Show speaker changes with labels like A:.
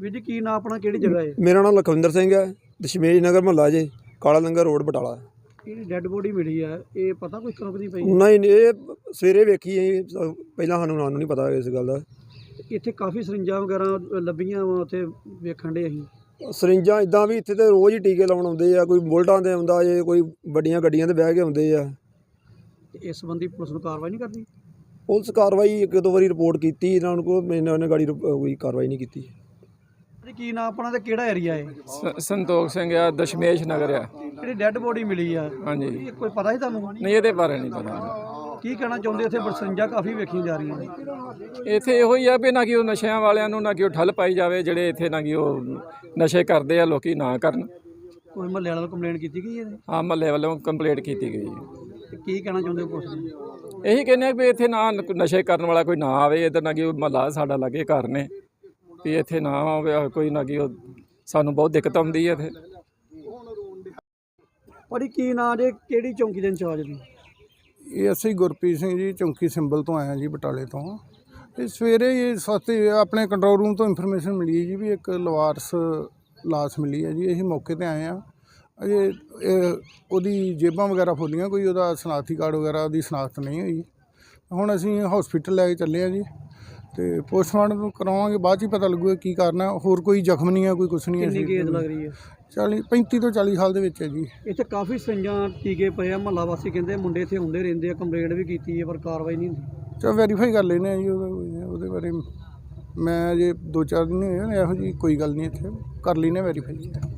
A: ਵੀਰ ਜੀ ਕੀ ਨਾਂ ਆਪਣਾ, ਕਿਹੜੀ ਜਗ੍ਹਾ ਹੈ?
B: ਮੇਰਾ ਨਾਮ ਲਖਵਿੰਦਰ ਸਿੰਘ ਹੈ, ਦਸ਼ਮੇਸ਼ ਨਗਰ ਮੁਹੱਲਾ ਜੇ, ਕਾਲਾ ਲੰਗਰ ਰੋਡ ਬਟਾਲਾ।
A: ਇਹ ਡੈੱਡ ਬੋਡੀ ਮਿਲੀ ਆ, ਇਹ ਪਤਾ ਕੋਈ ਕਦੋਂ ਦੀ ਪਈ?
B: ਨਹੀਂ ਇਹ ਸਵੇਰੇ ਵੇਖੀ ਅਸੀਂ, ਪਹਿਲਾਂ ਸਾਨੂੰ ਨਹੀਂ ਪਤਾ ਇਸ ਗੱਲ ਦਾ।
A: ਇੱਥੇ ਕਾਫੀ ਸਰਿੰਜਾਂ ਵਗੈਰਾ ਲੱਭੀਆਂ ਵਾ, ਉੱਥੇ ਵੇਖਣ ਦੇ ਅਸੀਂ।
B: ਸਰਿੰਜਾਂ ਇੱਦਾਂ ਵੀ ਇੱਥੇ ਤਾਂ ਰੋਜ਼ ਹੀ ਟੀਕੇ ਲਾਉਣ ਆਉਂਦੇ ਆ, ਕੋਈ ਬੁਲਟਾਂ 'ਤੇ ਆਉਂਦਾ ਜੇ, ਕੋਈ ਵੱਡੀਆਂ ਗੱਡੀਆਂ 'ਤੇ ਬਹਿ ਕੇ ਆਉਂਦੇ ਆ।
A: ਇਸ ਸੰਬੰਧੀ ਪੁਲਿਸ ਨੂੰ ਕਾਰਵਾਈ ਨਹੀਂ ਕਰਦੀ?
B: ਪੁਲਿਸ ਕਾਰਵਾਈ ਇੱਕ ਦੋ ਵਾਰੀ ਰਿਪੋਰਟ ਕੀਤੀ ਇਹਨਾਂ ਨੂੰ, ਉਹਨੇ ਗਾੜੀ ਕੋਈ ਕਾਰਵਾਈ ਨਹੀਂ ਕੀਤੀ।
A: ਕੀ ਨਾਂ ਆਪਣਾ ਤੇ ਕਿਹੜਾ ਏਰੀਆ ਹੈ?
C: ਸੰਤੋਖ ਸਿੰਘ ਆ, ਦਸ਼ਮੇਸ਼ ਨਗਰ ਆ।
A: ਜਿਹੜੀ ਡੈੱਡ ਬੋਡੀ ਮਿਲੀ ਆ,
C: ਹਾਂਜੀ।
A: ਇਹ ਕੋਈ ਪਤਾ ਹੀ ਤੁਹਾਨੂੰ?
C: ਨਹੀਂ ਇਹਦੇ ਬਾਰੇ ਨਹੀਂ ਪਤਾ।
A: ਕੀ ਕਹਿਣਾ ਚਾਹੁੰਦੇ? ਇੱਥੇ ਸਰਿੰਜਾਂ ਕਾਫੀ ਵੇਖੀਆਂ ਜਾ ਰਹੀਆਂ ਨੇ।
C: ਇੱਥੇ ਇਹੋ ਹੀ ਆ ਵੀ ਨਾ ਕਿ ਉਹ ਨਸ਼ਿਆਂ ਵਾਲਿਆਂ ਨੂੰ ਨਾ ਕਿ ਉਹ ਠੱਲ ਪਾਈ ਜਾਵੇ, ਜਿਹੜੇ ਇੱਥੇ ਨਾ ਕਿ ਉਹ ਨਸ਼ੇ ਕਰਦੇ ਆ ਲੋਕੀ ਨਾ ਕਰਨ।
A: ਕੋਈ ਮਹੱਲੇ ਵਾਲਿਆਂ ਨੂੰ ਕੰਪਲੇਂਟ ਕੀਤੀ ਗਈ ਹੈ?
C: ਹਾਂ, ਮਹੱਲੇ ਵੱਲੋਂ ਕੰਪਲੇਂਟ ਕੀਤੀ ਗਈ।
A: ਤੇ ਕੀ ਕਹਿਣਾ ਚਾਹੁੰਦੇ ਹੋ ਪੁਲਿਸ ਨੂੰ?
C: ਇਹੀ ਕਹਿੰਦੇ ਆ ਵੀ ਇੱਥੇ ਨਾ ਨਸ਼ੇ ਕਰਨ ਵਾਲਾ ਕੋਈ ਨਾ ਆਵੇ ਇੱਧਰ, ਨਾ ਕਿ ਉਹ ਮਹੱਲਾ ਸਾਡਾ ਲਾਗੇ ਘਰ ਨੇ, ਵੀ ਇੱਥੇ ਨਾ ਆਵੇ ਕੋਈ, ਨਾ ਕਿ ਉਹ ਸਾਨੂੰ ਬਹੁਤ ਦਿੱਕਤ ਆਉਂਦੀ ਹੈ ਇੱਥੇ।
A: ਪਰ ਕੀ ਨਾਂ ਜੇ, ਕਿਹੜੀ ਚੌਂਕੀ ਦੇ ਇੰਚਾਰਜ ਦੀ?
D: ਇਹ ਅਸੀਂ ਗੁਰਪ੍ਰੀਤ ਸਿੰਘ ਜੀ, ਚੌਂਕੀ ਸਿੰਬਲ ਤੋਂ ਆਇਆ ਜੀ, ਬਟਾਲੇ ਤੋਂ। ਇਹ ਸਵੇਰੇ ਹੀ ਸਸਤੇ ਆਪਣੇ ਕੰਟਰੋਲ ਰੂਮ ਤੋਂ ਇਨਫੋਰਮੇਸ਼ਨ ਮਿਲੀ ਹੈ ਜੀ ਵੀ ਇੱਕ ਲਵਾਰਸ ਲਾਸ਼ ਮਿਲੀ ਹੈ ਜੀ। ਅਸੀਂ ਮੌਕੇ 'ਤੇ ਆਏ ਹਾਂ। ਅਜੇ ਉਹਦੀ ਜੇਬਾਂ ਵਗੈਰਾ ਫੋਲੀਆਂ, ਕੋਈ ਉਹਦਾ ਸ਼ਨਾਖਤੀ ਕਾਰਡ ਵਗੈਰਾ ਦੀ ਸ਼ਨਾਖਤ ਨਹੀਂ ਹੋਈ। ਹੁਣ ਅਸੀਂ ਹਸਪੀਟਲ ਲੈ ਕੇ ਚੱਲੇ ਹਾਂ ਜੀ, ਅਤੇ ਪੋਸਟਮਾਰਟਮ ਕਰਾਵਾਂਗੇ, ਬਾਅਦ 'ਚ ਹੀ ਪਤਾ ਲੱਗੂਗਾ ਕੀ ਕਾਰਨ ਹੈ। ਹੋਰ ਕੋਈ ਜ਼ਖਮ ਨਹੀਂ ਹੈ, ਕੋਈ ਕੁਛ ਨਹੀਂ ਹੈ।
A: ਕਿੰਨੀ ਏਜ ਲੱਗ ਰਹੀ ਹੈ?
D: 35 ਤੋਂ 40 ਸਾਲ ਦੇ ਵਿੱਚ ਹੈ ਜੀ।
A: ਇੱਥੇ ਕਾਫੀ ਸਰਿੰਜਾਂ ਟੀਕੇ ਪਏ ਆ, ਮਹੱਲਾ ਵਾਸੀ ਕਹਿੰਦੇ ਮੁੰਡੇ ਇੱਥੇ ਹੁੰਦੇ ਰਹਿੰਦੇ ਆ, ਕੰਪਲੇਂਟ ਵੀ ਕੀਤੀ ਹੈ ਪਰ ਕਾਰਵਾਈ ਨਹੀਂ ਹੁੰਦੀ।
D: ਚਲੋ ਵੈਰੀਫਾਈ ਕਰ ਲੈਂਦੇ ਹਾਂ ਜੀ, ਉਹਦੇ ਬਾਰੇ ਮੈਂ ਅਜੇ 2-4 ਦਿਨ ਹੋਏ, ਇਹੋ ਜਿਹੀ ਕੋਈ ਗੱਲ ਨਹੀਂ, ਇੱਥੇ ਕਰ ਲੈਂਦੇ ਵੈਰੀਫਾਈ।